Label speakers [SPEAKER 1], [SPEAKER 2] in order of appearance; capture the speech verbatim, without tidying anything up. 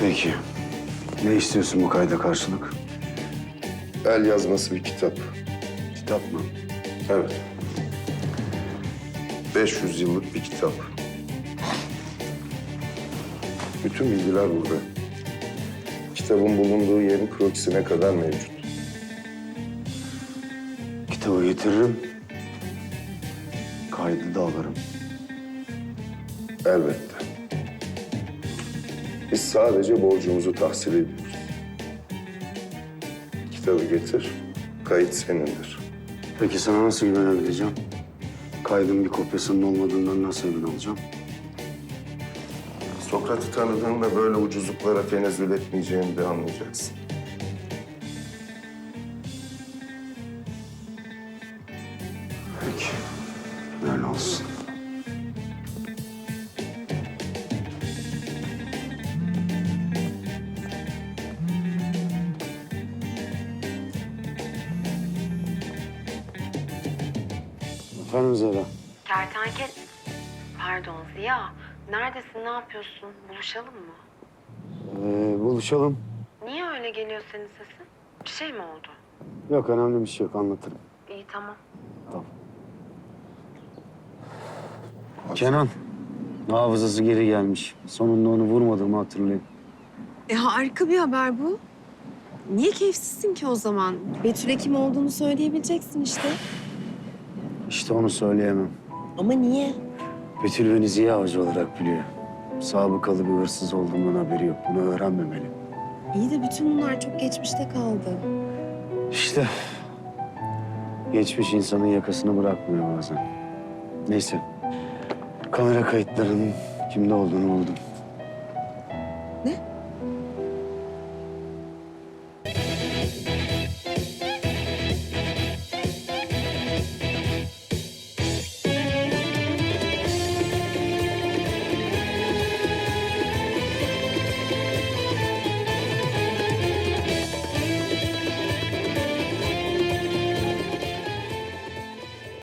[SPEAKER 1] Peki. Ne istiyorsun bu kayda karşılık?
[SPEAKER 2] El yazması bir kitap.
[SPEAKER 1] Kitap mı?
[SPEAKER 2] Evet. beş yüz yıllık bir kitap. Bütün bilgiler burada. Kitabın bulunduğu yerin krokisine kadar mevcut.
[SPEAKER 1] Kitabı getiririm. Kaydı da alırım.
[SPEAKER 2] Elbette. Biz sadece borcumuzu tahsil ediyoruz. Kitabı getir, kayıt senindir.
[SPEAKER 1] Peki sana nasıl güvenebileceğim? Kaydın bir kopyasının olmadığından nasıl emin olacağım?
[SPEAKER 2] Sokrat'ı tanıdığında böyle ucuzluklara tenezzül etmeyeceğini de anlayacaksın.
[SPEAKER 1] Peki. Öyle olsun. Efendim Zehra.
[SPEAKER 3] Kertenkel... Pardon Ziya. Neredesin, ne yapıyorsun? Buluşalım mı?
[SPEAKER 1] Ee, buluşalım.
[SPEAKER 3] Niye öyle geliyor senin sesin? Bir şey mi oldu?
[SPEAKER 1] Yok, önemli bir şey yok, anlatırım.
[SPEAKER 3] İyi, tamam.
[SPEAKER 1] Tamam. Kenan. Hafızası geri gelmiş. Sonunda onu vurmadığımı hatırlayın.
[SPEAKER 4] E harika bir haber bu. Niye keyifsizsin ki o zaman? Betül'e kim olduğunu söyleyebileceksin işte.
[SPEAKER 1] İşte onu söyleyemem.
[SPEAKER 4] Ama niye?
[SPEAKER 1] Betül beni Ziya Avcı olarak biliyor. Sabıkalı bir hırsız olduğumdan haberi yok. Bunu öğrenmemeli.
[SPEAKER 4] İyi de bütün bunlar çok geçmişte kaldı.
[SPEAKER 1] İşte geçmiş insanın yakasını bırakmıyor bazen. Neyse. Kamera kayıtlarının kimde olduğunu buldum.
[SPEAKER 4] Ne?